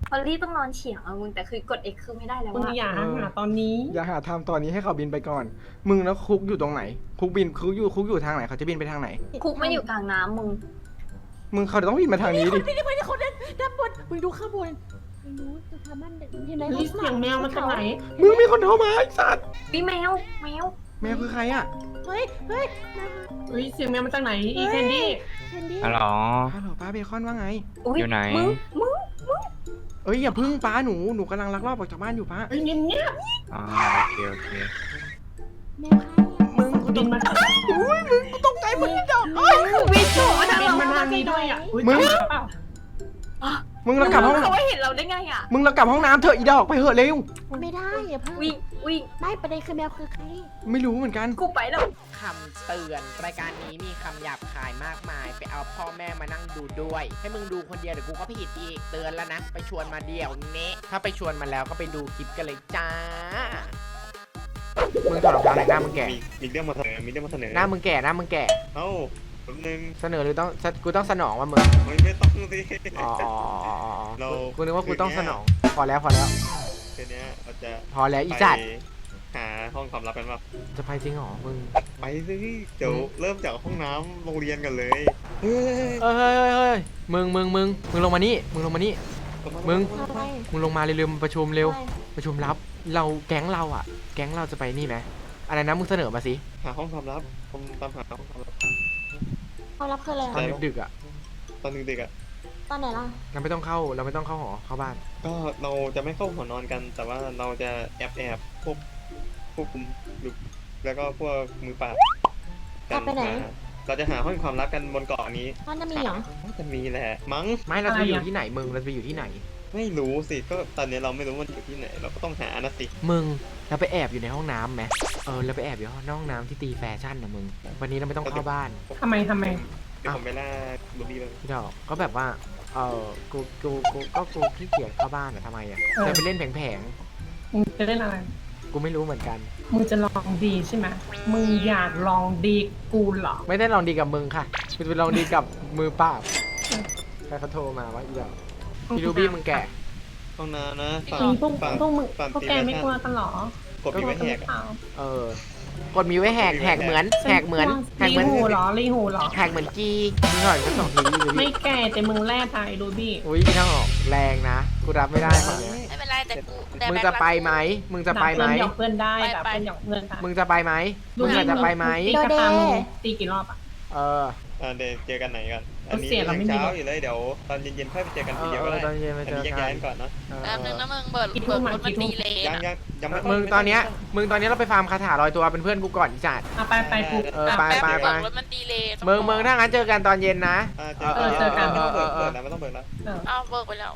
พอลลี่ต้องนอนเฉียงอะมึงแต่คือกด X คือไม่ได้แล้วมึงอะอย่าหาตอนนี้อย่าหาทำตอนนี้ให้เขาบินไปก่อน มึงแล้วคุกอยู่ตรงไหน คุกอยู่ทางไหนเขาจะบินไปทางไหนคุกไม่อยู่กลางน้ำมึงมึงเขาต้องบินมาทางนี้ดินี่คนด้านบนมึงดูข้างบนไม่รู้จะทำมันเห็นไหมเฮ้ยเสียงแมวมันจากไหนมึงมีคนโทรมาไอ้สัตว์พี่แมวแมวคือใครอ่ะเฮ้ยเฮ้ยเสียงแมวมันจากไหนอีแคนดี้แคนดี้ฮัลโหลฮัลโหลป้าเบคอนว่าไงอยู่ไหนมึงเอ้ยอย่าพึ่งป้าหนูกำลังลักลอบออกจากบ้านอยู่ป้าเฮ้ยเงียบอ๋อโอเคแมวใครมึงๆบินมาตกใจหมดที่ดอกวิโฉถ้าบินเรามาทางนี้ด้วยอ่ะอุ๊ยมึงตามมาเปล่ามึงเรากลับห้องเขาไม่เห็นเราได้ไงอะมึงเรากลับห้องน้ำเถอะอีดอกไปเถอะเร็วไม่ได้อย่าเพิ่งวิ่งไม่ประเด็นคือแมวคือใครไม่รู้เหมือนกันกูไปแล้วคำเตือนรายการนี้มีคำหยาบคายมากมาย ไปเอาพ่อแม่มานั่งดูด้วย ให้มึงดูคนเดียวเดี๋ยวกูก็ผิดอีกเตือนแล้วนะ ไปชวนมาเดี่ยวเนะถ้าไปชวนมาแล้วก็ไปดูคลิปกันเลยจ้ามึงถอดรองเท้าหน่อยหน้ามึงแก่มีเรื่องมาเสนอ มีเรื่องมาเสนอหน้ามึงแก่เอ้าแป๊บนึงเสนอหรือต้องกูต้องสนองว่ามึงไม่ต้องสิอ๋อเรากูนึกว่ากูต้องสนอง พอแล้วทีเนี้ยเราจะพอแล้วอีไปจัดหาห้องความลับกันป่ะจะไปจริงเหรอมึงไปสิเดี๋ยวเริ่มจากห้องน้ำโรงเรียนกันเลยเฮ้ยมึงลงมานี่มึงลงมานี่ มึงอะไรมึงลงมาเร็วๆมาประชุมเร็วอะไรประชุมลับ เราแก๊งเราอ่ะ แก๊งเราจะไปนี่ไหมอะไรนะมึงเสนอมาสิหาห้องความลับผมตามหาห้องความลับเขารับคืออะไรตอนดึกๆอ่ะตอนดึกๆอ่ะตอนไหนล่ะเราไม่ต้องเข้าหอเข้าบ้านก็เราจะไม่เข้าหอนอนกัน แต่ว่าเราจะแอบควบคุมดูแล้วก็พวกมือปราบแอบไปไหนเราจะหาห้องความลับกันบนเกาะนี้มันจะมีเหรอน่าจะมีแหละ มั้งไม่เราจะไปอยู่ที่ไหนมึงเราจะไปอยู่ที่ไหนไม่รู้สิ ก็ตอนนี้เราไม่รู้ว่าอยู่ที่ไหน เราก็ต้องหานะสิมึงเราไปแอบอยู่ในห้องน้ำไหมเราไปแอบอยู่ในห้องน้ำที่ตีแฟชั่นนะมึง วันนี้เราไม่ต้องเข้าบ้านทำไมเดี๋ยวผมไปล่าลูบี้เลยพี่ดอกก็แบบว่ากูขี้เกียจเข้าบ้านอะทำไมอะจะไปเล่นแผงมึงจะเล่นอะไรๆกูไม่รู้เหมือนกันมึงจะลองดีใช่ไหมมึงอยากลองดีกูเหรอไม่ได้ลองดีกับมึงค่ะกูจะไปลองดีกับมือเปล่าใครเขาโทรมาว่าอีดอกพี่รูบี้มึงแก่ห้องน้ำนะฝั่งมีพวกฝั่งมึงฝั่งพวกตีแกแบไม่ชั่นกลัวกันเหรอกดมีไว้แหกอะกดมีไว้แหกเหมือนรีหูเหรอรีหูเหรอแหกเหมือนจีมึงหน่อยก็ส่งทีวีไม่แก่แต่มึงแร่ทายดูบี้อุ้ยพี่ดอกแรงนะกูรับไม่ได้ฝั่งเนี้ยไม่เป็นไรแต่กูแต่มึงแบ็คจะไปรักกูไหมมึงจะไปไหมหยอกเพื่อนได้แบบเป็นหยอกเพื่อนค่ะมึงจะไปไหมมึงอาจจะไปไหมตีกระตามึงตีกี่รอบอ่ะเออเดี๋ยวเจอกันไหนกัน อันนี้เสียเราไม่มีเช้าอยู่เลย เดี๋ยวตอนเย็นๆค่อยไปเจอกันทีเดียวก็ได้ตอนเย็นไปอันเจอนี้แยกกัย้ายกัน นก่อนเนาะแป๊บนึงนะมึงเบิร์ดกี่ทุ่เบิร์มดรถมันกี่ทุ่มดีเลยยังนะยังไม่มึงตอนเนี้ยเราไปฟาร์มคาถาลอยตัวเป็นเพื่อนกูก่อนจัดไปกูไปแป๊บนึงเบิร์ดรถมันดีเลยมึงถ้างั้นเจอกันตอนเย็นนะเจอกันไม่ต้องเปิดแล้วไม่ต้องเปิดแล้วอ้าวเบิร์ดไปแล้ว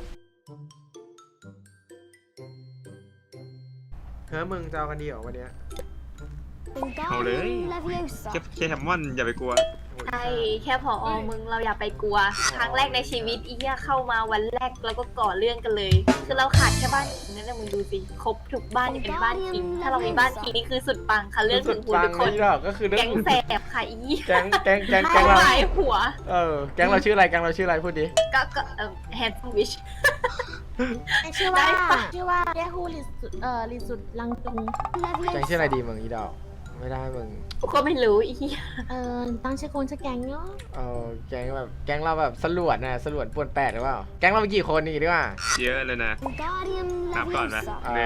มึงจะเอากันดีเหรอวันเนี้ยเอาเลยแค่แฮมมอนอย่าไปกลัวใช่แค่พอมึงเราอย่าไปกลัว ครั้งแรกในชีวิตอีเหี้ยเข้ามาวันแรกแล้วก็ก่อเรื่องกันเลย คือเราขาดแค่บ้านคิงนั่นแหละมึงดูสิครบทุกบ้านที่เป็นบ้านคิงถ้าเรามีบ้านคิงนี่คือสุดปังค่ะเรื่องถึงหูทุกคนนี่หรอกก็คือเรื่แก๊องงแสบค่ะอีแก๊งแก๊งเราหลายหัวแก๊งเราชื่ออะไรพูดดิก็แฮนด์วิชชื่อได้ว่าปะเรียกฮูลิสุดลิสุดลังจุงแก๊งชื่ออะไรดีมึงอีดอกไม่ได้มึงกูก็ไม่รู้อีเหี้ยตั้งชื่อคนชื่อแกงเนาะแก๊งเราแบบสลวดป่วนแปดหรือเปล่าแก๊งเรามีกี่คนนี่ดีกว่าเยอะเลยนะนับก่อนนะ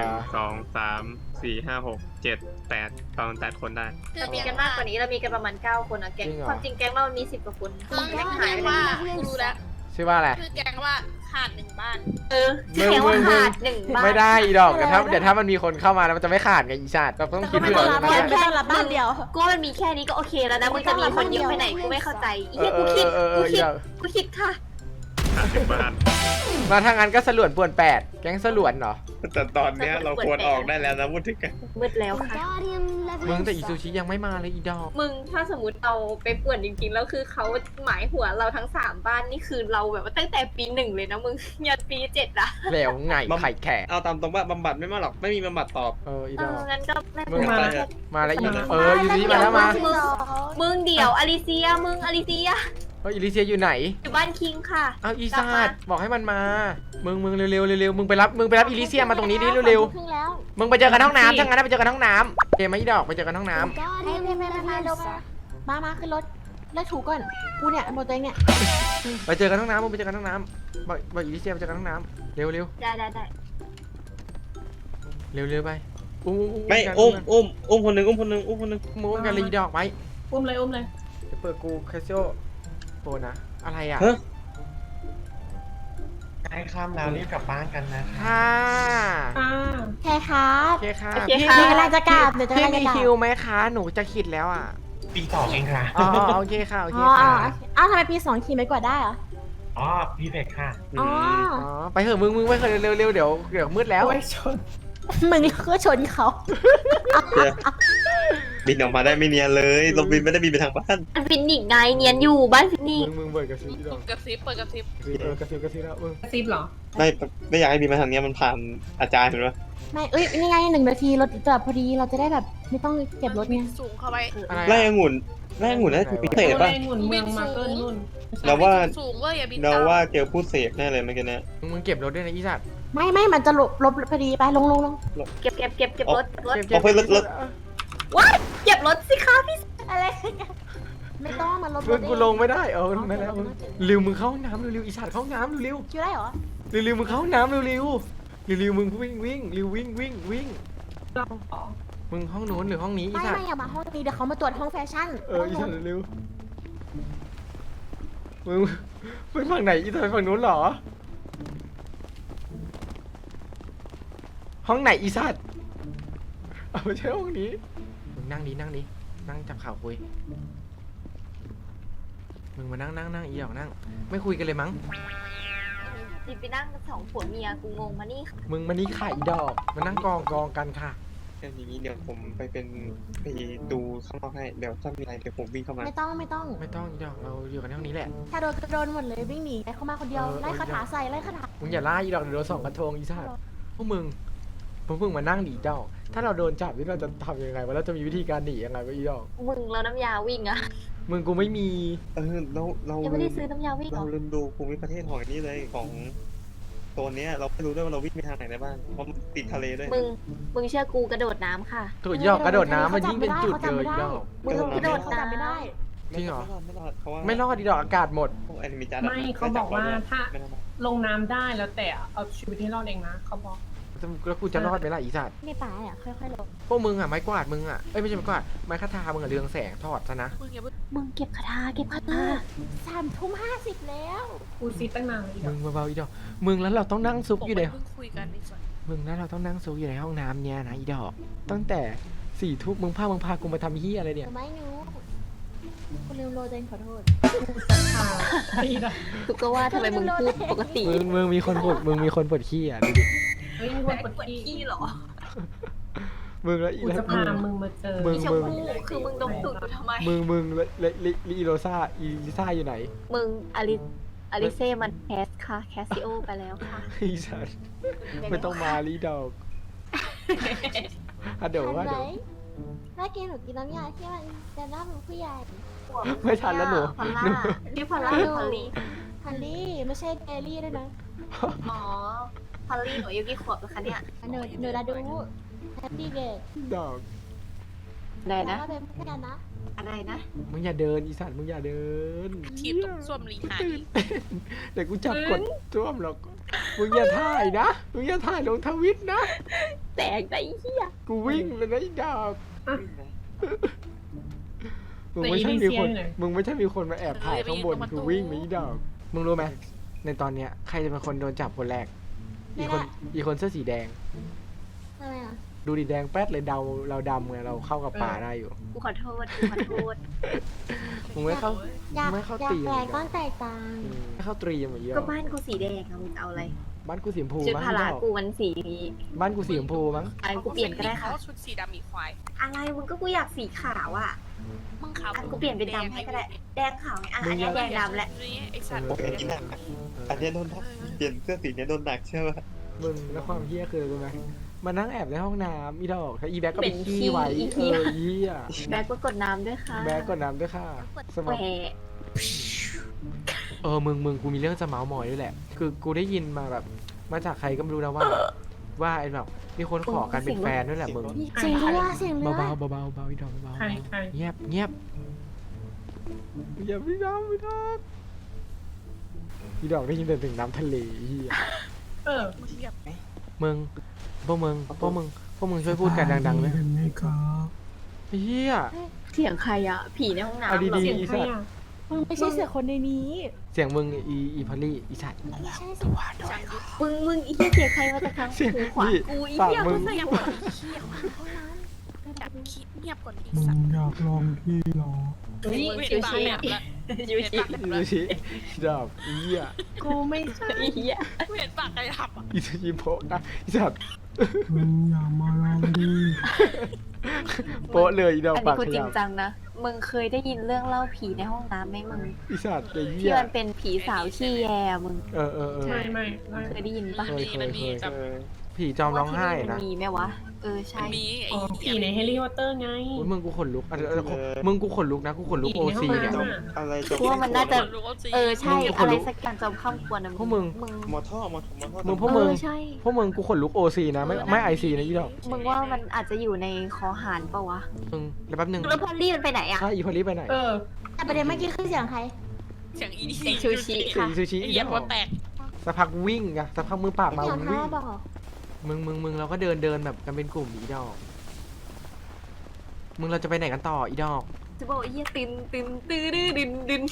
ประมาณ 8 คนได้เรามีกันมากกว่านี้เรามีกันประมาณ9 คนอะแก๊งความจริงแก๊งเรามี10 กว่าคนคือแก๊งแกหายงไปว่าแล้วกูรู้แล้วชื่อว่าอะไรคือแกงว่าขาดหนึ่งบ้านแก๊งว่าขาด1 บ้านไม่ได้อีดอกเดี๋ยวถ้ามันมีคนเข้ามาแล้วมันจะไม่ขาดไงอีชาติเราต้องคิดเผื่อไม่ต้องรับบ้านเดียวกูว่ามันมีแค่นี้ก็โอเคแล้วนะมึงจะมีคนเยอะไปไหนกูไม่เข้าใจอีเหี้ยกูคิดค่ะบ้านมาทางนั้นก็สลวนป่วนแปดแก๊งสลวนเหรอแต่ตอนเนี้ยเราควรออกได้แล้วนะพูดถึงกันมืดแล้วค่ะมึงแต่อีซูชิยังไม่มาเลยอีดอกมึงถ้าสมมติเราไปป่วนจริงๆแล้วคือเขาหมายหัวเราทั้ง3 บ้านนี่คือเราแบบว่าตั้งแต่ปี 1เลยนะมึงยันปี 7อะแล้วไงไข่แขกเอาตามตรงว่าบำบัดไม่มาหรอก ไม่มีบำบัดตอบอีดอกงั้นก็ไม่มึงเป็นไรมาแล้วอียูซูชิมาแล้วมามึงเดี๋ยวอลิเซียมึงอลิเซียอิลิเซียอยู่ไหนอยู่บ้านคิงค่ะเอาอีกลับซามาดบอกให้มันมา มึงเร็วๆมึงไปรับอิลิเซียมาตรงนี้ดิเร็วครึ่งแล้วๆมึงไปเจอกันห้องน้ำถ้างั้นไปเจอกันห้องน้ำเกมไหมอีดอกไปเจอกันห้องน้ำไม่เร็วมาขึ้นรถแล้วถูก่อนกูเนี่ยหมดตัวเองเนี่ยไปเจอกันห้องน้ำมึงไปเจอกันห้องน้ำบอกอิลิเซียไปเจอกันห้องน้ำเร็วได้เร็วไปอุ้มไม่กันอุ้มคนหนึ่งมึงกันเลยอีดอกไปอุ้มเลยจะเปิดกูแคสโซโปนะอะไรอ่ะเฮ้ยใกล้ค่ำแล้วรีบกลับบ้านกันนะค่ะอ่าแค่ครับโอเคค่ะโอเคพี่ค่ะเดี๋ยวกำลังจะกลับเดี๋ยวจะพี่กำลังมีจะกลับคิวไหมคะหนูจะขิดแล้วอ่ะปีสองเองค่ะอ๋อโอเคค่ะโอเคอ๋อค่ะอ้าวทำไมปี2ขี่ไม่กว่าได้เหรออ๋อ พี่เพกค่ะอ๋ออ๋อไปเถอะมึงไปเถอะเร็วเดี๋ยวมืดแล้วโอ้ยชนมึงก็ชนเขาบินออกมาได้ไม่เนียนเลยเราบินไม่ได้บินไปทางบ้านบ้านฟินิกไงเนียนอยู่บ้านฟินิกมึงเปิดกระซิบอีดอกกระซิบเปิดกระซิบกระซิบแล้วมึงกระซิบเหรอไม่อยากให้บินมาทางเนี้ยมันผ่านอาจารย์เห็นปะไม่นี่ไง1 นาทีรถจอดพอดีเราจะได้แบบไม่ต้องเก็บรถไงสูงเข้าไปอะไรไล่องุ่นน่าจะพิเศษป่ะโอ้ยหมุนเมืองมาเกินนู่นเราว่าสูงเว้ยอย่าบินเราตามว่าเจอผู้เสพแน่เลยเมื่อกี้เนี้ยมึงเก็บรถด้วยนะอีสัตว์ไม่มันจะลบพอดีไปลงเก็บรถเอาไปรถเก็บรถสิคะพี่อะไรไม่ต้องมันลบรมึถงกูลงไม่ได้นั่นแล้วมึงเร็วมึงเข้าห้องน้ำเร็วอีสัตว์เข้าห้องน้ำเร็วคิวได้เหรอมึงเข้าห้องน้ำเร็วมึงวิ่งวิ่งเราขอมึงห้องโน้นหรือห้องนี้อีไม่สัตว์อย่ามาห้องนี้เดี๋ยวเขามาตรวจห้องแฟชั่นอีสัตว์เร็วมึงไปฝั่งไหนอีสัตว์ไปฝั่งโน้นเหรอห้องไหนอีสัตว์เอาไม่ใช่ห้องนี้มึงนั่งดินั่งจับข่าวคุยมึงมานั่งอีดอกนั่งไม่คุยกันเลยมั้งจิไปนั่งกัน2 ผัวเมียกูงงมานี่มึงมานี่ค่ะอีดอกมานั่งกองกันค่ะอย่างนี้เดี๋ยวผมไปดูข้างนอกให้เดี๋ยวถ้ามีอะไรเดี๋ยวผมวิ่งเข้ามาไม่ต้องไม่ต้องอีดอกเราอยู่กันในห้องนี้แหละถ้าโดนก็โดนหมดเลยวิ่งหนีไปเข้ามาคนเดียวไล่คาถาใส่ไล่คาถามึงอย่าล่าอีดอกเดี๋ยวโดนส่องกระทงอีสัตว์พวกมึงมานั่งหนีเจ้า ถ้าเราโดนจับนี่เราจะทำยังไงวะเราจะมีวิธีการหนียังไงวะอีดอกมึงแล้วน้ำยาวิ่งอะมึงกูไม่มีเรายังไม่ได้ซื้อน้ำยาวิ่งเหรเราอลืมดูภูมิประเทศของนี่เลยของโซนเนี้ยเราไม่รู้ด้วยว่าเราวิ่งไปทางไหนได้บ้างเพราะมันติดทะเลด้วยมึงเชื่อกูกระโดดน้ำค่ะตัวอีดอกกระโดดน้ำมันยิ่งเป็นจุดเลยอีดอกมึงกระโดดเขาจำไม่ได้จริงเหรอไม่รอดเพราะว่าไม่รอดอีดอกอากาศหมดพวกแอนิเมจัดไม่เขาบอกว่าถ้าไม่รอดลงน้ำได้แล้วแต่เอาชีวิตให้รอดเองนะเขาบอกแล้วกูจะรอดไหมล่ะอีสัตว์ไม่ป่าอ่ะค่อยๆลงพวกมึงอ่ะไม้กวาดมึงอ่ะเอ้ยไม่ใช่ไม้กวาดไม้คาทามึงอ่ะเรืองแสงทอดซะนะมึงอย่าเพิ่งมึงเก็บคาถา 3:50แล้วกูซีตั้งนานเลยอีดมึอกงเบาๆอีดอกมึงแล้วเราต้องนั่งซุกอยู่ในเพิ่งคุยกันนี่ส่วนมึงแล้วเราต้องนั่งซุกอยู่ในห้องน้ำเนี่ยนะอีดอกตั้งแต่4 ทุ่มมึงพากูมาทำเฮียอะไรเนี่ยไม่รู้คุณลืมโรเจนขอโทษอีดอกกูก็ว่าทำไมมึงพูดปกติมึงมีคนปวดขี้อ่ะดูดิเฮ้ยมีคนปวดขี้เหรอมึงแล้วอีกูแล้วจะพามึงมาเจอมึงชมพูคือมึงดมตูดกูทำไมมึงและอีโรซ่าอีลิซ่าอยู่ไหนมึงอลิเซ่มันแคสค่ะแคสซิโอไปแล้วค่ะอีสัตว์ไม่ต้องมาลีดอกอะเดี๋ยวทันว่าไหมเดี๋ยวเมื่อกี้หนูกินน้ำยาที่มันจะน่าเป็นผู้ใหญ่ไม่ทันแล้วหนูพอลล่าพี่พอลล่าหรือพอลลี่ฮันลี่ไม่ใช่เดลี่ด้วยนะอ๋อพอลลี่หนูอายุกี่ขวบแล้วคะเนี่ยหนูละดูแฮปปี้เดย์ดอกอะไรแล้วนะก็เป็นเพื่อนกันนะอะไรนะมึงอย่าเดินอีสัตว์มึงอย่าเดินทีบตรงส้วมรีหายเดี๋ยวกูจับกดจ้วมหรอกมึงอย่าถ่ายนะมึงอย่าถ่ายลงทวิตนะแตกได้เหี้ยกูวิ่งเลยนะอีดอกมึงแต่ไม่อีใช่ลิมีเซีคยนอยู่ไหนมึงไม่ใช่มีคนมาแอบถ่ายข้างบนกูวิ่งหนีดอกมึงรู้ไหมในตอนเนี้ยใครจะเป็นคนโดนจับคนแรกอีคนเสื้อสีแดงทำไมอ่ะดูดิแดงแป๊ดเลยเราดำไงเราเข้ากับป่าได้อยู่กูขอโทษกูขอโทษมึงไม่เข้าอยากไม่เข้าอยากตีแปลเลยกต้องแตกต่างไม่เข้าตรีเหมือนเยอะก็บ้านกูสีแดงอะมึงจะเอาอะไรบ้านกูสีชมพูชุดมั้งพละดอกกูมันสีนี้บ้านกูสีชมพูมั้งอันกูเปลี่ยนก็ได้ค่ะชุดสีดำมีควายอะไรมึงก็กูอยากสีขาวอ่ะมึงขาวอันกูเปลี่ยนเป็นดำให้ก็ได้ แดงขาวไงอ่ะอันเนี้ยแดงดำแหละนี่ไอสัตว์โอเคนี่หนักอันเนี้ยโดนทักเปลี่ยนเสื้อสีเนี้ยโดนหนักเชื่อป่ะมึงแล้วความเฮี้ยคือรู้ไหมมานั่งแอบในห้องน้ำอีดอกถ้าอีแบ็กก็ไปเป็นขี้ขี้ไว้อีเอเหี้ยอเฮี้ยแบกก็กดน้ำด้วยค่ะแบ็กก่อนน้ำด้วยค่ะสมแหวองะมึงกูมีเรื่องจะเมาส์มอยด้วยแหละ คือกูได้ยินมาแบบมาจากใครก็ไม่รู้นะว่าไอ้แบบมีคนขอกันเป็นแฟนด้วยแหละมึงเสียงเรือเสียงเรือเบาๆเบาๆเบาๆอีดอกเบาใครใครๆเงียบเงียบพี่ดอกพี่ดอกได้ยินแต่ถึงน้ำทะเลเฮียเออมึงเรียบมึงพวกมึงช่วยพูดกันดังๆเลยเฮียเสียงใครอะผีในห้องน้ำเอาเหรอดีเสียงๆอีใครสัตว์อ่ะมึงไม่ใช่เสียงคนในนี้เสียงมึงอีพอลลี่อีสัตว์ไม่ใช่สิช่างยุทธมึงอีเหี้ยเสียงใครมาจากทางเสียงหูขวานี่กูอีปากเหี้ยมึมึงงใส่เงียบหัวก่อนดิเชี่ยห้องน้ำแบบคิดเงียบก่อนดิมึสัตงว์อยากลองที่เหรอเฮ้ยมึงชิเห็นวปากชิแหลมละชิวชิดูสิดอกเฮียกูไม่ใช่อีเหี้ยมึงเห็นปากใครทำอ่ะอีสยิมโพะนะอีสัตว์มึงอย่ามาลองดีโปะเลยอีดอกอันปานี้กกูขจริยังบจังนะมึงเคยได้ยินเรื่องเล่าผีในห้องน้ำไหมมึงอีสัตว์ไอ้เหี้ที่ยมันเป็นผีสาวขี้แยมึงเออไม่ไม่เคยได้ยินปะมันมีแบบผีจอมร้องไห้มันะมีไหมวะเออใช่มีไอ้อ๋อผีในแฮร์รี่พอตเตอร์ไงโอ้ยมึงกูขนลุกมึงกูขนลุกนะกูขนลุกผีโอในห้ซีองเนี่ยน้ำอะไรจบกูว่ามันน่าจะรู้ว่าจริงเออใช่มึงกูขนอะไรลุกสักอย่างจอมข้ามควรนะพวกมึงหมอท่อมึงพวกมึงเออใช่พวกมึงกูขนลุกโอซีนะไม่ไอซีนะอีดอกมึงว่ามันอาจจะอยู่ในคอหานปะวะมึงแล้วแป๊บนึงแล้วพอลลี่มันไปไหนอะถ้าอีพอลลี่ไปไหนเออแต่ประเด็นเมื่อกี้คือเสียงใครเสียงอีเสียงชูชิเสียงอีซูชิไอ้อีเหี้ยดหัวอกแตกสักพักวิ่งอะสักพักมือปากมาเสียงวิ่ใครง บอกมึงเราก็เดินแบบกันเป็นกลุ่มอีดอกมึงเราจะไปไหนกันต่ออีดอกจะบอกไอ้เหี้ยตินตื้อดื้อดิน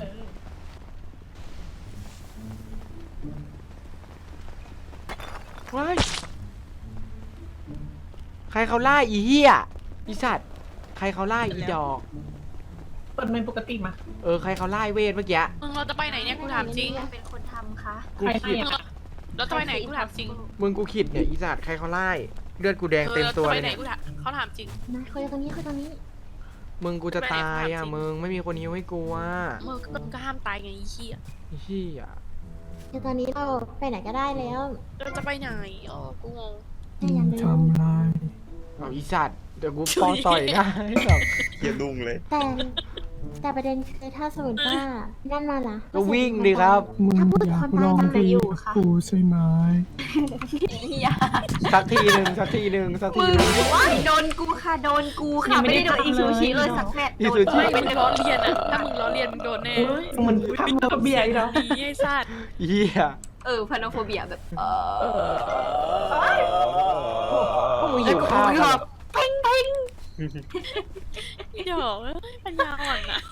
ว้ายใครเขาล่าอีเหี้ยอีสัตว์ใครเขาล่าอีดอกเปิดไมค์ปกติมาใครเขาไล่เวทเมื่อกี้มึงเราจะไปไหนเนี่ยกูถามจริงเป็นคนทำคะกูขิดเราจะไปไหนกูถามจริงมึงกูขิดเนี่ยอีสัตว์ใครเขาไล่เลือดกูแดงเต็มตัวเราจะเลไปยไหนเนี่ยกูถามเขาถามจริงนะคุยตรงนี้คุยตรงนี้มึงกูจะตายอ่ะมึงไม่มีคนฮิวให้กูอ่ะมึงก็ห้ามตายไงไอ้เหี้ยไอ้เหี้ยเดี๋ยวตอนนี้เราไปไหนก็ได้แล้วเราจะไปไหนอ๋อกูงงแต่อย่าลืมทำไรเอาอีสัตว์เดี๋ยวกูปองต่อยหน้าให้แบบเกียดุงเลยแต่ประเด็นคือถ้าสมมติว่านั่นมาล่ะก็วิ่งดิครับมึงอยากลองดีกับกูใช่ไหมเหี้ยสักทีหนึ่งสักทีหนึ่งสักทีมึงหนึ่งว้ายโดนกูค่ะโดนกูค่ะไม่ได้โดนอีซูชิเลยสักแมตช์อีโดซูนชิไม่มึงล้อเลียนอ่ะถ้ามึงล้อเลียนมึงโดนแน่เฮ้ยมันทำกับเบียร์อีกแล้วดีไอ้สัตว์เหี้ยพาโนโฟเบียแบบพวกมึงหิวข้าวกันเพ่งเพ่งเดี๋ยวปัญญาอ่อนอ่ะ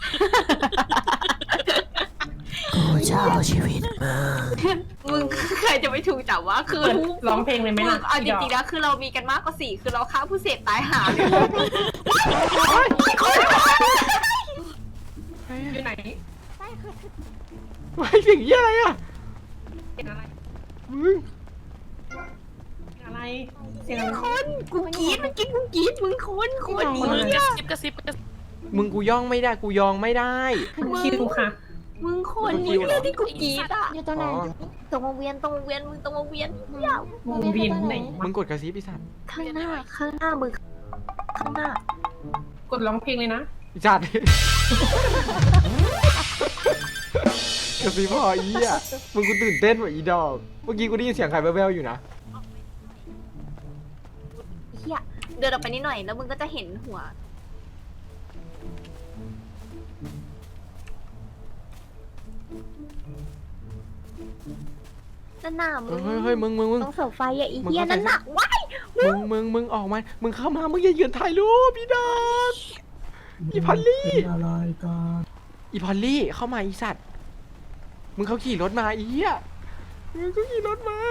กูจะเอาชีวิตมามึงใครจะไม่ถูกจับว่าคือร้องเพลงเลยไหมมึงล่ะเอาจริงๆแล้วคือเรามีกันมากกว่า4คือเราฆ่าผู้เสพตายหาเลยอยู่ไหนไม่เสียงเหี้ยอะไรอ่ะเสียงอะไรมึงเสียงอะไรเสียงอะไรคนกูกรี๊ดมันกินกูกรี๊ดมึงคนนี้มึงกระซิบกระซิบมึงกูย่องไม่ได้กูยองไม่ได้คิวค่ะมึงคนนี้เลยที่กูกรี๊ดอ่ะอยู่ตรงไหนตรงวงเวียนมึงตรงวงเวียนวงเวียนไหนมึงกดกระซิบไอ้สัตว์ข้างหน้ามึงข้างหน้ากดร้องเพลงเลยนะไอ้สัตว์กระซิบพออีอ่ะมึงกูตื่นเต้นว่ะอีดอกเมื่อกี้กูได้ยินเสียงใครแว่วๆอยู่นะเฮียเดินออกไปนิดหน่อยแล้วมึงก็จะเห็นหัวนั่นน่ะมึงเฮ้ยมึงต้องเสาไฟอ่ะอีเฮียนั่นน่ะว้ายมึงออกมามึงเข้ามามึงอย่ายืนถ่ายรูปพี่ดอก อีพอลลี่เป็นอะไรกันอีพอลลี่เข้ามาอีสัตว์มึงเขาขี่รถมาอีเหี้ยมึงเขาขี่รถมา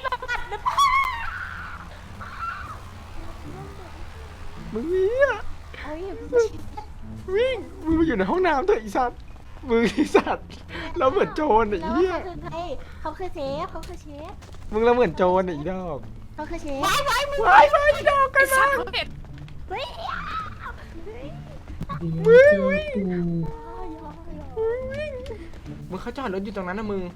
มึงเหี้ยเอ้ยวิ่งมึงมาอยู่ในห้องน้ำเถอะอีสัตว์มึงอีสัตว์เราเหมือนโจรไอ้แล้วเหี้ยเขาคือใครเขาคือเชฟเขาคือเชฟมึงเราเหมือนโจรไอ้ดอกเขาคือเชฟไปอีดอกกันสัมาตว์เขาเห็นเดี๋ยวเจอกูมึงเขาจอดรถอยู่ตรงนั้นนะมึง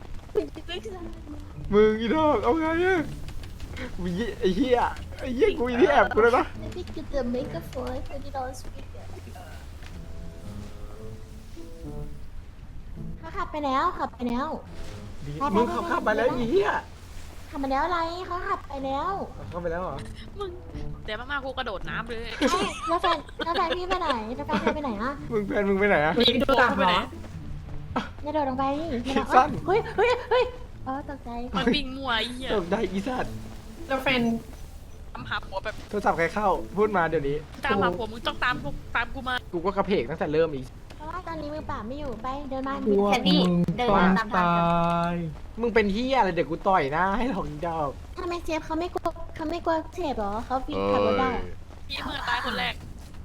อีดอกเอาไงอะวิไอ้เหี้ยกูอีที่แอบกูเลยนะ Maybe get the makeup for $20 speaker เขาขับไปแล้วขับไปแล้วมึงเขาขับมาแล้วอีเหี้ยขับไปแล้วอะไรเขาขับไปแล้วเข้าไปแล้วเหรอมึงเดี๋ยวมากูกระโดดน้ำเลยเอ้ยแล้วแฟนพี่ไปไหนแล้วแฟนพี่ไปไหนอะมึงแฟนมึงไปไหนอะมีดูกลับเหรออย่าโดดลงไปดิคิดสั้นเฮ้ยตกใจมันวิ่งมัวไอ้เหี้ยตกได้อีสัตว์แล้วแฟนตามหาผัวแบบโทรศัพท์ใครเข้าพูดมาเดี๋ยวนี้ตามหาผัวมึงต้องตามกูมากูก็กระเพกตั้งแต่เริ่มอีกเพราะว่าตอนนี้มือเปล่าไม่อยู่ไปเดินมาพวกแคนดี้มึงเดินต้องตามทางตากันยมึงเป็นเหี้ยอะไรเดี๋ยวกูต่อยหน้าให้หรอกอีดอกทำไมเจฟเขาไม่กลัวเจ็บเหรอเขาวิ่งขับรถได้พี่เมื่อตายคนแรก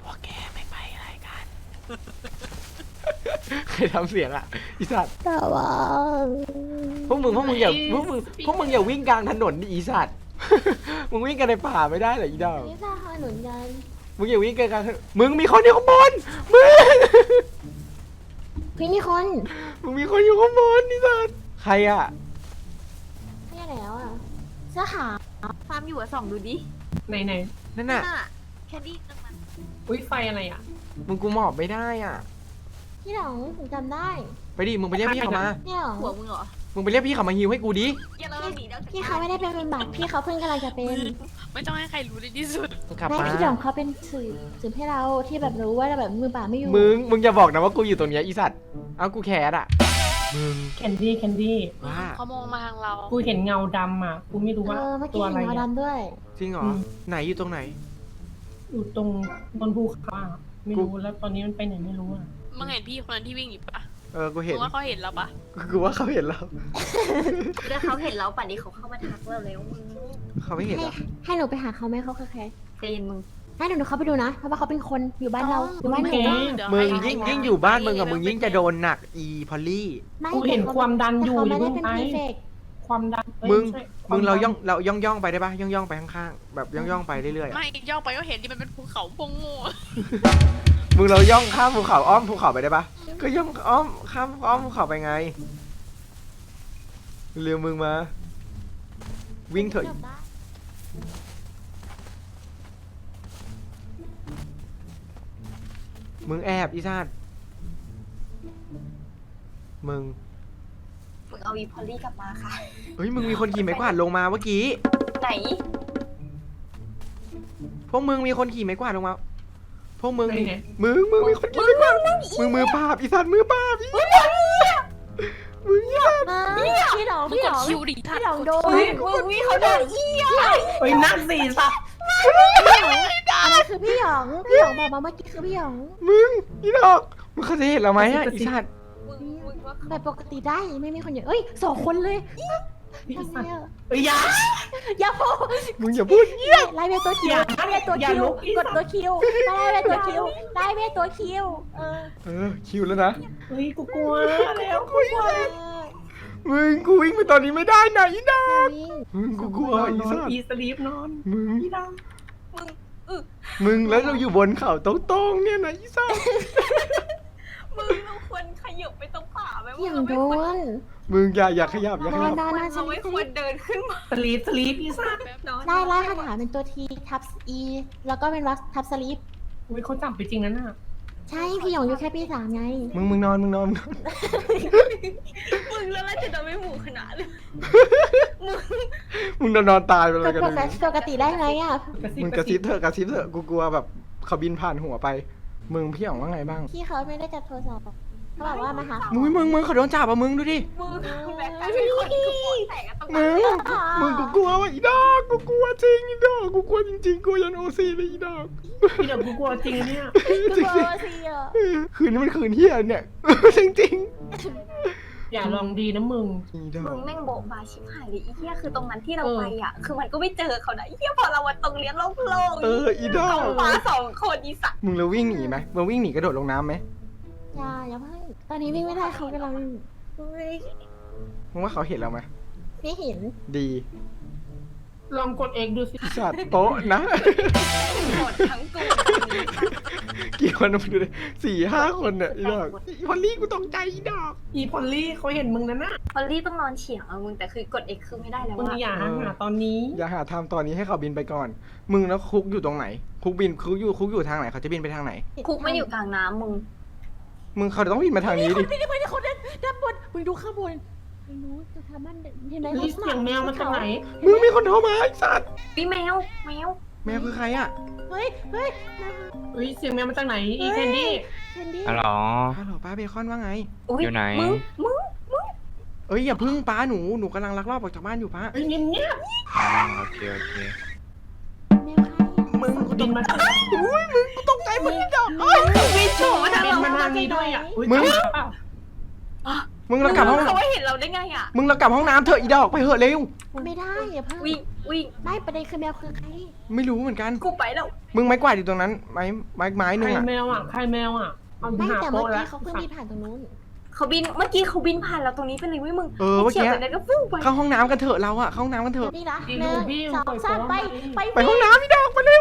ใครทำเสียงอะอีสัตว์แต่ว่าพวกมึงอย่าวิ่งกลางถนนดิอีสัตว์ มึงวิ่งกันในป่าไม่ได้เหรออีดอกนี่จะหาหนุนกันมึงอย่าวิ่งกันกลางถนนมึงมีคนอยู่ข้างบนมึงพี่มีคนมึงมีคนอยู่ข้างบนอีสัตว์ใครอะไม่ใช่แล้วอ่ะเสื้อขาวฟาร์มอยู่อะส่องดูดิไหนนั่นน่ะแคนดี้ตรงนั้นๆอุ้ยไฟอะไรอ่ะมึงกูหมอบไม่ได้อ่ะพี่หลงผมจำได้ไปดิมึงไปเรียกพี่เขามาพี่หลงหัวมึงเหรอมึงไปเรียกพี่เขามาฮิวให้กูดิอย่าเราหนีแล้วพี่เขาไม่ได้เป็นบัตรพี่เขาเพิ่งกำลังจะเป็นไม่ต้องให้ใครรู้ในที่สุดมึงกลับแม่มาพี่หลงเขาเป็นสื่อให้เราที่แบบรู้ว่าแบบมือเปล่าไม่อยู่มึงอย่าบอกนะว่ากูอยู่ตรงเนี้ยอีสัตว์เอากูแคสอ่ะมึงแคนดี้ว่าเขามองมาทางเรากูเห็นเงาดำอ่ะ กูไม่รู้ว่าเมื่อตักี้วเห็อะนไรเงาอะดำด้วยจริงเหรอ ไหนอยู่ตรงไหนอยู่ตรงบนภูเขาอะไม่รู้แล้วตอนนี้มันไปไหนไม่รู้อ่ะมึงเห็นพี่คนนั้นที่วิ่งอยู่ปะกูมึเห็นงว่าเขาเห็นเราปะกูว่าเขาเห็นเราแล้วเขาเห็นเราป่านนี้เขาเข้ามาทักเราแล้วมึงเขาไม่เห็นเหรอให้หนูไปหาเขาไหมเขาคือใครใจเย็นมึงให้หนูเข้าไปดูนะเพราะว่าเขาเป็นคนอยู่บ้านเราอยู่บ้านหนูโอเคเดี๋ยวมึงให้ยิ่งอยู่บ้านมึงอะมึงยิ่งจะโดนหนักอีพอลลี่ไม่กูเห็นความดันอยู่แต่เขาไม่ได้เป็นอย่าพีเพิ่งเฟไปกความดันอ้ยมึงไใช่มึงควเราดันย่องไปได้ปะย่องไปข้างๆแบบย่องไปเรื่อยๆอะไม่ย่องไปก็เห็นที่มันเป็นภูเขาพงโง่มึงเราย่องข้ามภูเขาอ้อมภูเขาไปได้ปะก็ย่องอ้อมข้ามอ้อมภูเขาไปไงเร็วมึงมา วิ่งเถอะมึงแอบอีสัตว์มึงมึงเอาอีพอลลี่กลับมาค่ะเฮ้ยมึงมีคนขี่ไม้กวาดลงมาเมื่อกี้ไหนพวกมึงมีคนขี่ไม้กวาดลงมาพวกมึงไหนมึงมีคนขี่ไม้กวาดมึงมือปราบอีสัตว์มือปราบอีมึงอีสัตว์พี่หลงมึงพี่กหลดงคิวดิท่าพี่หลงโดนมึงเขาโดนเหี้ยเฮ้ยนั่งสี่สัตว์อันนั้นคือพี่หยองบอกมาเมื่อกี้คือพี่หยองมึงอีดอกมึงเขาจะเห็นเราไหมอะอีสัตว์มึงว่าแบบปกติได้ไม่มีคนเยอะเอ้ย2 คนเลยพี่ทำไมสัตว์อะเอ้ยอยาอย่าพูดมึงอย่าพูดเงี้ยไล่เวทตัวคิวอย่าไล่เวทตัวอย่าคิวลุกอีกสัดตว์ตัวคิวไล่เวทตัวคิวไล่เวทตัวคิวคิวแล้วนะเฮ้ยกูกลัวแล้วกูกลัวมึงกูวิ่งไปตอนนี้ไม่ได้นะอีดอกวิ่งมึงกูกลัวนอนอีนอนสัตว์อีสลีปนอนมึงพี่ดมึงแล้วเราอยู่บนเขาตรงๆเนี่ยนะอีสัตว์มึงเราควรขยับไปตรงป่าไหมอย่างโดนมึงอย่าขยับอย่าขยับนอนเราไม่ควรเดินขึ้นมาำสลีปอีสัตว์ไล่คาถาเป็นตัวทีทับอีแล้วก็เป็นวักทับสลีปอุ้ยเขาจับไปจริงนะน่ะใช่พี่หยองอยู่แค่ปี 3ไงมึงนอนมึงแล้วเราจะโดนไม่หมู่ขนาดเลยมึงนอนตายไปเลยกันปกติได้ไงอ่ะมึงกระซิบเถอะกูกลัวแบบเขาบินผ่านหัวไป มึงพี่อ๋องว่าไงบ้างพี่เขาไม่ได้จับโทรศัพท์เขาบอกว่ามาหามึงเขาโดนจับอ่ะมึงดูดิมึงแบบกลายเป็นคนคือปวดแตกอะตรงนั้มึนงกูกลัวว่ะอีดอกกูกลัวจริงอีดอกกูกลัวจริงๆกลัวยันโอซีเลยอีดอกพี่เดี๋ยวกูกลัวจริงเนี่ยจริงสิอ่ะๆคืนนี้มันคืนเฮียเนี่ย จริงอย่าลองดีนะมึงๆอีดอมึกงแม่งโบะบาชิบหายเลยอีเหี้ยคือตรงนั้นที่เราไปอ่ะ คือมันก็ไม่เจอเขานะอีเหี้ยพอเราวันตรงเลี้ยงโล่งๆอีดอกเขามา2 คนอีสัตว์มึงแล้ววิ่งหนีไหมมึงวิ่งหนีกระโดดลงน้ำไหมอย่าเพิ่งตอนนี้วิ่งไม่ได้เขากำลังมึงว่าเขาเห็นเราไหมไม่เห็นดีลองกดเอกดูสิจัดโต๊ะนะหมดทั้งกูกี่คนมาดูดิ4-5 คนเนี่ยอีดอกอีพอลลี่กูตกใจอีดอกอีพอลลี่เขาเห็นมึงนะน่ะพอลลี่ต้องนอนเฉียงอะมึงแต่คือกด X คือไม่ได้แล้วมึงว่าอย่าหาตอนนี้อย่าหาทำตอนนี้ให้เขาบินไปก่อน มึงแล้วคุกอยู่ตรงไหน คุกอยู่ทางไหนเขาจะบินไปทางไหนคุกไม่อยู่กลางน้ำมึงมึงเขาต้องวิ่งมาทางนี้ดิไม่ได้คนด้านบนมึงดูข้างบนไม่รู้จะทำมันเห็นไหมเฮ้ยเสียงแมวมันจากไหนมึงมีคนโทรมาไอ้สัตว์วิแมวแมวคือใครอ่ะเฮ้ยเฮ้ยเสียงแมวมาจากไหนอีแคนดี้แคนดี้ฮัลโหลฮัลโหลป้าเบคอนว่าไงอยู่ไหนมึงเอ้ยอย่าพึ่งป้าหนูกำลังลักลอบออกจากบ้านอยู่ป้าเฮ้ยเงียบโอเคแมวใครมึงๆบินมาทางอุ้ยมึงกูตกใจมึงนี่ดอกวิโฉมาทางบินเรามาทางนี้ด้วยอ่ะอุ๊ยมึงจับเปล่ามึงเรากลับห้องเขาไม่เห็นเราได้ไงอ่ะมึงเรากลับห้องน้ำเถอะอีดอกไปเถอะเร็วไม่ได้อย่าเพิ่งวิ่งไม่ประเด็นคือแมวคือใครไม่รู้เหมือนกันกูไปแล้วมึงไม้กวาดอยู่ตรงนั้นไม้หใคนึ่รงอ่ะแมวอ่ะใครแมวอ่ะเอาไม่หาแต่เมื่โป๊ะอแล้กี้วเขาเพิ่งบินผ่านตรงนู้นเมื่อกี้เขาบินผ่านเราตรงนี้ไปเลยเว้ยมึงเมื่อเฉียกี้วไปไหนก็ฟุ้งไปเข้าห้องน้ำกันเถอะเราอะเข้าห้องน้ำกันเถอะนี่นะอีหนึ่ดูงบี้สองสามไปไปห้องน้ำอีดอกไปเร็ว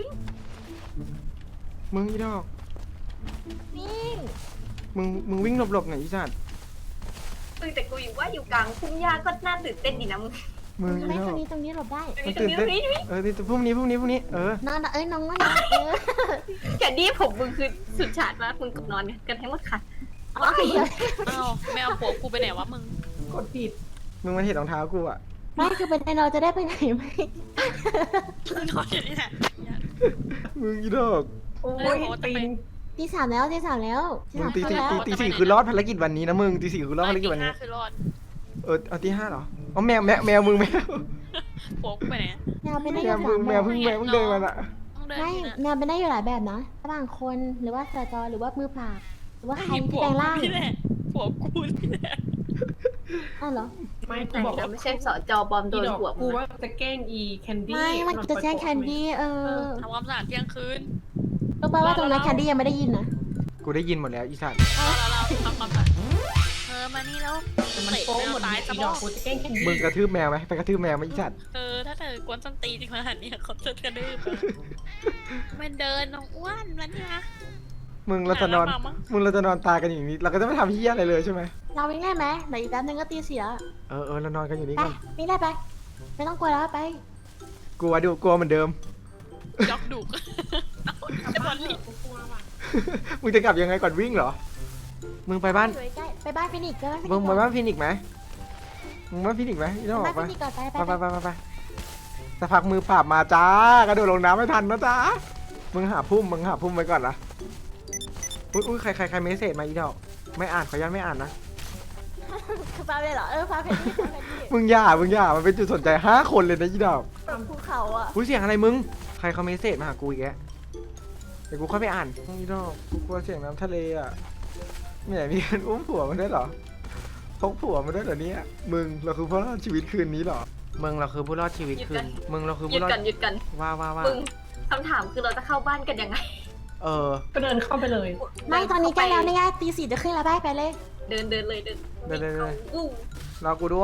มึงอีดอกวิ่งมึงวิ่งหลบๆหน่อยอีสัตว์แต่กูอยู่ว่าอยู่กลางทุ่งหญ้าก็น่าตื่นเต้นดีนะมึงมึงอีไม่ดตอรงกนี้ตรงนี้หลบได้มันตื่นเต้นพรุ่งนี้เออนอนน้องว่านะแคนดี้ผมมึงคือสุดฉาดมากมึงกับนอนกันทั้งหมดค่ะโอเคอ้าวแมวผัวกูไปไหนวะมึงกดผิดมึงมันเห็นรองเท้ากูอะไม่คือเป็นเราจะได้ไปไหนไหมนอนอยู่นี่แหละมึงอีดอกโอ้ยตีนตีสามแล้วมึงตีแล้วสี่คือรอดภารกิจวันนี้นะมึงตีสี่คือรอดภารกิจวันนี้คือรอดเอาตีห้าเหรออ๋อแมวมึงแมวผัวกูไปไหนแมวเป็นได้แมอยู่วมึงแมวเพิ่งเดินมาอะต้องเดินไม่ที่น่ะแมวเป็นได้อยู่หลายแบบนะบางคนหรือว่าสจหรือว่ามือเปล่าหรือว่าใครที่ผัวแปลงกูร่างนี่แหละผัวกูนี่แหละอ้าวเหรอไม่กูแต่บอกเราว่าไม่ใช่สจบอมโดอีนดอกหัวกูมึงว่าจะแกล้งอีแคนดี้ไม่มันจะแจ้งแคนดี้ทำความสะอาดเที่ยงคืนรู้ป่าว่าตรงนั้นแคนดี้ยังไม่ได้ยินนะกูได้ยินหมดแล้วอีสัตว์เราทำความสะอาดมานี่แล้วมันโป๊ะหมดตายอีซะดบ้อกกูจะแกล้งแคนดี้มึงกระทืบแมวไหมไปกระทืบแมวไหมอีสัตว์ถ้าเธอกวนส้นตีนขนาดนี้เขาจะกระดื้อมันเดินน้องอ้วนแล้วเนี่ยมึงเราจะนอนตายกันอย่างนี้เราก็จะไม่ทำเหี้ยอะไรเลยใช่ไหมเราวิ่งได้ไหมเดี๋ยวอีกแป๊บนึงก็ตีสี่แล้วเรานอนกันอยู่นี่ไปกันวิ่งได้ไปไม่ต้องกลัวแล้วไปกลัวเหมือนเดิมยอกดุกไอ้บอลลี่กูกลัวว่ะมึงจะกลับยังไงก่อนวิ่งเหรอ มึงไปบ้านอยู่ใกล้ไปบ้านฟินิกส์ไปบ้านฟินิมึกงส์ไปบ้านฟินิกส์ไหมมึงบ้านฟินิกส์ไหมอีน้องบ้านไปฟินิกส์ก่อนไปไปสักพักมือปราบมาจ้ากระโดดลงน้ำไม่ทันนะจ้ามึงหาพุ่มไว้ก่อนนะอุ้ยใครเมสเซจมาอีดอกไม่อ่านขออนุญาตไม่อ่านนะคือฟ้าเลยเหรอฟ้าเพนนี่ฟ้าเพนนี่มึงอย่ามันเป็นจุดสนใจ5 คนเลยนะอีดอกตรงภูเขาอ่ะอุ้ยเสียงอะไรมึงใครเขาเมสเซจมาหากูอีกแกเดี๋ยวกูเข้าไปอ่านอีดอกกูกลัวเสียงน้ำทะเลอ่ะไม่อยากมีการอุ้มผัวมันด้วยเหรอพกผัวมันด้วยเหรอเนี่ยมึงเราคือผู้รอดชีวิตคืนนี้เหรอมึงเราคือผู้รอดชีวิตคืนมึงเราคือหยุผู้ดรอดกันว่ามึงคำถามคือเราจะเข้าบ้านกันยังไงก็เดินเข้าไปเลยไม่ตอนนี้ใกล้แล้วนี่ไงตีสี่จะขึ้นแล้วไปเลยเดินเลยอู้รอกูด้วย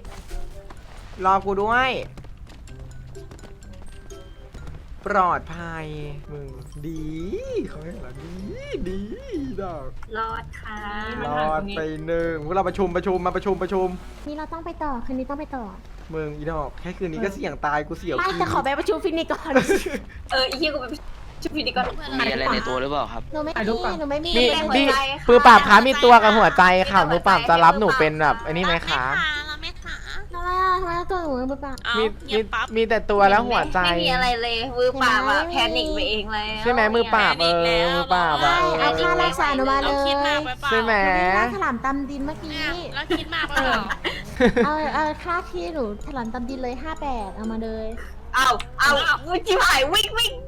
ปลอดภัยมึงดีเขาให้เราดีดอกรอดค่ะรอดไป1พวกเราประชุมมาประชุมนี่เราต้องไปต่อคืนนี้ต้องไปต่อมึงอีดอกแค่คืนนี้ก็เสี่ยงตายกูเสี่ยวไม่จะขอไปประชุมฟินิกส์ก่อนอีเหี้ยกูไปชุบพีดีก่อนมีอะไรในตัวหรือเปล่าครับหนูไม่มีนี่มือปราบขามีตัวกับหัวใจค่ะมือปราบจะรับหนูเป็นแบบอันนี้ไหมคะเราไม่ขาทำไมตัวหนูมือเปล่าเอามีเงียบปั๊บมีแต่ตัวแล้วหัวใจไม่มีอะไรเลยมือปราบอะแพนิคไปเองเลยใช่ไหมมือปราบมือปราบอะเอาค่ารักษาหนูมาเลเรายคิดมากไปเปล่าใช่ไหมค่าถลำตำดินเมื่อกี้เนี่ยเราคิดมากไปเปล่าเอาค่าที่หนูถลำตำดินเลย58เอามาเลยเอามึงจิ๋วหายวิ่ง